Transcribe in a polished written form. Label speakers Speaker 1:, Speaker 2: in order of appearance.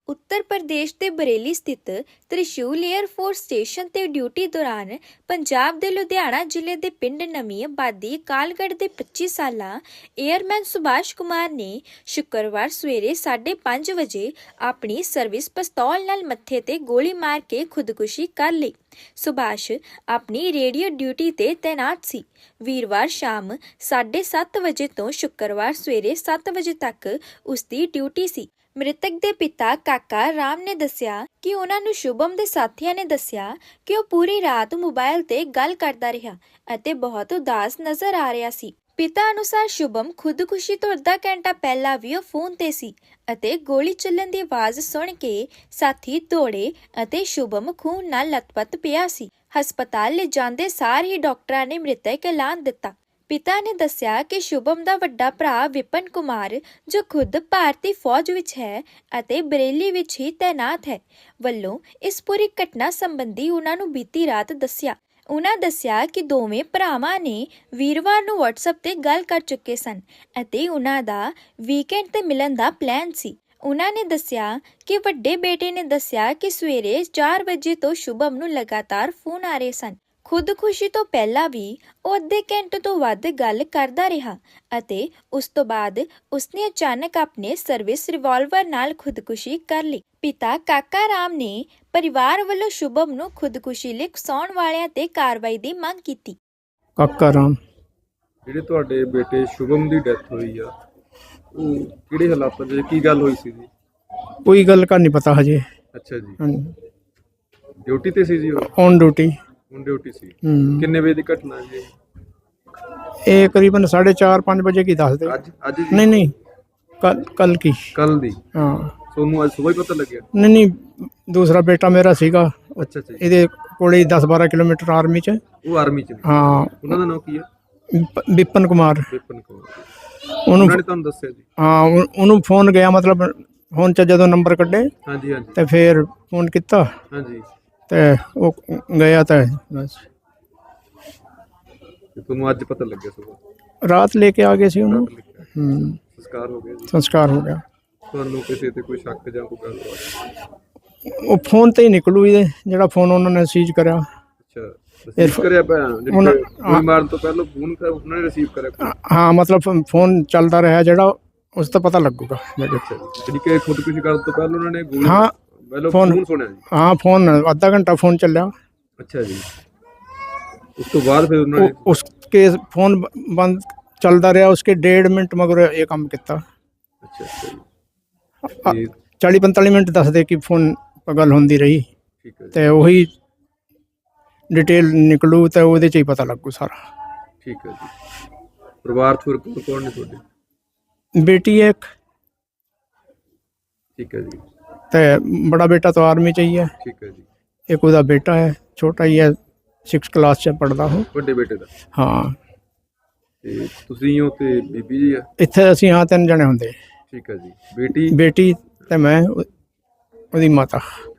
Speaker 1: ਉੱਤਰ ਪ੍ਰਦੇਸ਼ ਦੇ ਬਰੇਲੀ ਸਥਿਤ ਤ੍ਰਿਸ਼ੂਲ ਏਅਰਫੋਰਸ ਸਟੇਸ਼ਨ ਤੇ ਡਿਊਟੀ ਦੌਰਾਨ ਪੰਜਾਬ ਦੇ ਲੁਧਿਆਣਾ ਜ਼ਿਲ੍ਹੇ ਦੇ ਪਿੰਡ ਨਵੀਂ ਆਬਾਦੀ ਕਾਲਗੜ੍ਹ ਦੇ 25 ਸਾਲਾ ਏਅਰਮੈਨ ਸੁਭਾਸ਼ ਕੁਮਾਰ ਨੇ ਸ਼ੁੱਕਰਵਾਰ ਸਵੇਰੇ 5:30 ਵਜੇ ਆਪਣੀ ਸਰਵਿਸ ਪਿਸਤੌਲ ਨਾਲ ਮੱਥੇ ਤੇ ਗੋਲੀ ਮਾਰ ਕੇ ਖੁਦਕੁਸ਼ੀ ਕਰ ਲਈ। ਸੁਭਾਸ਼ ਆਪਣੀ ਰੇਡੀਓ ਡਿਊਟੀ ਤੇ ਤੈਨਾਤ ਸੀ। ਵੀਰਵਾਰ ਸ਼ਾਮ 7:30 ਵਜੇ ਤੋਂ ਸ਼ੁੱਕਰਵਾਰ ਸਵੇਰੇ 7 ਵਜੇ ਤੱਕ ਉਸ ਦੀ ਡਿਊਟੀ ਸੀ। ਮ੍ਰਿਤਕ ਦੇ ਪਿਤਾ ਕਾਕਾ ਰਾਮ ਨੇ ਦੱਸਿਆ ਕਿ ਉਹਨਾਂ ਨੂੰ ਸ਼ੁਭਮ ਦੇ ਸਾਥੀਆਂ ਨੇ ਦੱਸਿਆ ਕਿ ਉਹ ਪੂਰੀ ਰਾਤ ਮੋਬਾਈਲ ਤੇ ਗੱਲ ਕਰਦਾ ਰਿਹਾ ਅਤੇ ਬਹੁਤ ਉਦਾਸ ਨਜ਼ਰ ਆ ਰਿਹਾ ਸੀ। ਪਿਤਾ ਅਨੁਸਾਰ ਸ਼ੁਭਮ ਖੁਦਕੁਸ਼ੀ ਤੋਂ ਅੱਧਾ ਘੰਟਾ ਪਹਿਲਾਂ ਵੀ ਉਹ ਫੋਨ ਤੇ ਸੀ ਅਤੇ ਗੋਲੀ ਚੱਲਣ ਦੀ ਆਵਾਜ਼ ਸੁਣ ਕੇ ਸਾਥੀ ਦੌੜੇ ਅਤੇ ਸ਼ੁਭਮ ਖੂਨ ਨਾਲ ਲੱਤਪੱਤ ਪਿਆ ਸੀ। ਹਸਪਤਾਲ ਲੈ ਜਾਂਦੇ ਸਾਰ ਹੀ ਡਾਕਟਰਾਂ ਨੇ ਮ੍ਰਿਤਕ ਐਲਾਨ ਦਿੱਤਾ। ਪਿਤਾ ਨੇ ਦੱਸਿਆ ਕਿ ਸ਼ੁਭਮ ਦਾ ਵੱਡਾ ਭਰਾ ਵਿਪਨ ਕੁਮਾਰ, ਜੋ ਖੁਦ ਭਾਰਤੀ ਫੌਜ ਵਿੱਚ ਹੈ ਅਤੇ ਬਰੇਲੀ ਵਿੱਚ ਹੀ ਤੈਨਾਤ ਹੈ, ਵੱਲੋਂ ਇਸ ਪੂਰੀ ਘਟਨਾ ਸੰਬੰਧੀ ਉਹਨਾਂ ਨੂੰ ਬੀਤੀ ਰਾਤ ਦੱਸਿਆ। ਉਹਨਾਂ ਦੱਸਿਆ ਕਿ ਦੋਵੇਂ ਭਰਾਵਾਂ ਨੇ ਵੀਰਵਾਰ ਨੂੰ WhatsApp ਤੇ ਗੱਲ ਕਰ ਚੁੱਕੇ ਸਨ ਅਤੇ ਉਹਨਾਂ ਦਾ ਵੀਕਐਂਡ ਤੇ ਮਿਲਣ ਦਾ ਪਲਾਨ ਸੀ। ਉਹਨਾਂ ਨੇ ਦੱਸਿਆ ਕਿ ਵੱਡੇ ਬੇਟੇ ਨੇ ਦੱਸਿਆ ਕਿ ਸਵੇਰੇ 4 ਵਜੇ ਤੋਂ ਸ਼ੁਭਮ ਨੂੰ ਲਗਾਤਾਰ ਫੋਨ ਆ ਰਹੇ ਸਨ। ਖੁਦਕੁਸ਼ੀ ਤੋਂ ਪਹਿਲਾਂ ਵੀ ਉਹ ਅੱਧੇ ਘੰਟੇ ਤੋਂ ਵੱਧ ਗੱਲ ਕਰਦਾ ਰਿਹਾ ਅਤੇ ਉਸ ਤੋਂ ਬਾਅਦ ਉਸਨੇ ਅਚਾਨਕ ਆਪਣੇ ਸਰਵਿਸ ਰਿਵਾਲਵਰ ਨਾਲ ਖੁਦਕੁਸ਼ੀ ਕਰ ਲਈ। ਪਿਤਾ ਕਾਕਾ ਰਾਮ ਨੇ ਪਰਿਵਾਰ ਵੱਲੋਂ ਸ਼ੁਭਮ ਨੂੰ ਖੁਦਕੁਸ਼ੀ ਲਈ ਉਕਸਾਉਣ ਵਾਲਿਆਂ ਤੇ ਕਾਰਵਾਈ ਦੀ ਮੰਗ ਕੀਤੀ।
Speaker 2: ਕਾਕਾ ਰਾਮ
Speaker 3: ਜਿਹੜੇ ਤੁਹਾਡੇ ਬੇਟੇ ਸ਼ੁਭਮ ਦੀ ਡੈਥ ਹੋਈ ਆ, ਉਹ ਕਿਹੜੇ ਹਾਲਾਤਾਂ 'ਚ ਕੀ ਗੱਲ ਹੋਈ ਸੀ ਜੀ?
Speaker 2: ਕੋਈ ਗੱਲ का नहीं पता हजे।
Speaker 3: ਅੱਛਾ ਜੀ,
Speaker 2: हाँ,
Speaker 3: ਡਿਊਟੀ ਤੇ ਸੀ ਜੀ ਉਹ?
Speaker 2: On duty.
Speaker 3: ਹੁਣ ਡਿਊਟੀ ਸੀ। ਕਿੰਨੇ ਵਜੇ ਦੀ ਘਟਨਾ ਜੀ?
Speaker 2: ये करीबन 4:30-5 बजे की दस दे।
Speaker 3: ਅੱਜ ਜੀ?
Speaker 2: नहीं नहीं, कल की।
Speaker 3: ਕੱਲ ਦੀ?
Speaker 2: हाँ
Speaker 3: ਤੁਹਾਨੂੰ ਅੱਜ ਸਵੇਰ ਪਤਾ ਲੱਗਿਆ?
Speaker 2: नहीं नहीं, दूसरा बेटा मेरा सीगा,
Speaker 3: ਅੱਛਾ ਅੱਛਾ ਜੀ।
Speaker 2: ਇਹਦੇ ਕੋਲੇ 10-12 ਕਿਲੋਮੀਟਰ ਆਰਮੀ ਚ।
Speaker 3: ਉਹ ਆਰਮੀ 'ਚ ਨੇ?
Speaker 2: ਹਾਂ,
Speaker 3: ਉਹਨਾਂ ਦਾ ਨਾਮ ਕੀ ਹੈ?
Speaker 2: ਵਿਪਨ ਕੁਮਾਰ।
Speaker 3: ਵਿਪਨ ਕੁਮਾਰ।
Speaker 2: ਉਹਨੂੰ
Speaker 3: ਉਹਨਾਂ ਨੇ ਤੁਹਾਨੂੰ ਦੱਸਿਆ ਜੀ?
Speaker 2: ਹਾਂ, ਉਹਨੂੰ ਫੋਨ ਗਿਆ, ਮਤਲਬ ਫੋਨ ਚ ਜਦੋਂ ਨੰਬਰ ਕੱਢੇ
Speaker 3: ਹਾਂਜੀ ਹਾਂਜੀ
Speaker 2: ਤੇ ਫਿਰ ਫੋਨ ਕੀਤਾ
Speaker 3: ਹਾਂਜੀ।
Speaker 2: ਤੇ ਉਹ ਗਿਆ ਤਾਂ ਬਸ
Speaker 3: ਤੇ ਤੁਹਾਨੂੰ ਅੱਜ ਪਤਾ ਲੱਗਿਆ ਸਵੇਰ?
Speaker 2: ਰਾਤ ਲੈ ਕੇ ਆ ਗਏ ਸੀ ਉਹਨੂੰ।
Speaker 3: ਸੰਸਕਾਰ ਹੋ ਗਿਆ ਜੀ?
Speaker 2: ਸੰਸਕਾਰ ਹੋ ਗਿਆ।
Speaker 3: ਤੁਹਾਨੂੰ ਕਿਸੇ ਤੇ ਕੋਈ ਸ਼ੱਕ ਜਾਂ ਕੋਈ ਗੱਲ?
Speaker 2: ਉਹ ਫੋਨ ਤੇ ਹੀ ਨਿਕਲੂ ਇਹਦੇ, ਜਿਹੜਾ ਫੋਨ ਉਹਨਾਂ ਨੇ ਸੀਜ਼ ਕਰਿਆ।
Speaker 3: ਅੱਛਾ, ਰਿਸੀਵ ਕਰਿਆ ਪਿਆ ਗੋਲੀ ਮਾਰਨ ਤੋਂ ਪਹਿਲਾਂ ਫੋਨ ਉਹਨਾਂ ਨੇ ਰਿਸੀਵ ਕਰਿਆ?
Speaker 2: ਹਾਂ, ਮਤਲਬ ਫੋਨ ਚੱਲਦਾ ਰਿਹਾ ਜਿਹੜਾ, ਉਸ ਤੋਂ ਪਤਾ ਲੱਗੂਗਾ।
Speaker 3: ਅੱਛਾ ਜੀ, ਜਿਹੜੀ ਕਿ ਖੁਦਕੁਸ਼ੀ ਕਰਨ ਤੋਂ ਪਹਿਲਾਂ ਉਹਨਾਂ ਨੇ ਗੋਲੀ?
Speaker 2: ਹਾਂ,
Speaker 3: ਫੋਨ ਸੁਣਿਆ ਜੀ?
Speaker 2: ਹਾਂ, ਫੋਨ ਅੱਧਾ ਘੰਟਾ ਫੋਨ ਚੱਲਿਆ।
Speaker 3: ਅੱਛਾ ਜੀ, ਉਸ ਤੋਂ ਬਾਅਦ ਫਿਰ ਉਹਨਾਂ ਨੇ?
Speaker 2: उसके फोन बंद चलता रहा, उसके 1.5 मिनट मगर ये काम किया।
Speaker 3: ਅੱਛਾ ਅੱਛਾ ਜੀ।
Speaker 2: 40-45 ਮਿੰਟ ਦੱਸਦੇ ਕਿ ਫੋਨ ਗੱਲ ਹੁੰਦੀ ਰਹੀ।
Speaker 3: ਠੀਕ ਹੈ ਜੀ,
Speaker 2: ਤੇ ਉਹੀ ਡਿਟੇਲ ਨਿਕਲੂ ਤੇ ਉਹਦੇ ਚ ਹੀ ਪਤਾ ਲੱਗੂ ਸਾਰਾ।
Speaker 3: ਠੀਕ ਹੈ ਜੀ। ਪਰਿਵਾਰ ਚ ਹੋਰ ਕੌਣ ਨੇ ਤੁਹਾਡੇ?
Speaker 2: बेटी है एक,
Speaker 3: ਠੀਕ ਹੈ ਜੀ।
Speaker 2: ਤੇ बड़ा बेटा तो आर्मी ਚ ही है।
Speaker 3: ਠੀਕ ਹੈ ਜੀ।
Speaker 2: एक ਉਹਦਾ बेटा है, छोटा ही है, 6th क्लास ਚ ਪੜਦਾ ਉਹ।
Speaker 3: ਵੱਡੇ ਬੇਟੇ ਦਾ?
Speaker 2: ਹਾਂ,
Speaker 3: ਤੇ ਤੁਸੀਂ ਹੋ ਤੇ ਬੀਬੀ ਜੀ ਆ?
Speaker 2: ਇੱਥੇ ਅਸੀਂ ਹਾਂ 3 ਜਣੇ ਹੁੰਦੇ।
Speaker 3: ਠੀਕ ਹੈ ਜੀ। ਬੇਟੀ?
Speaker 2: ਬੇਟੀ ਤੇ ਮੈਂ, ਉਹਦੀ ਮਾਤਾ।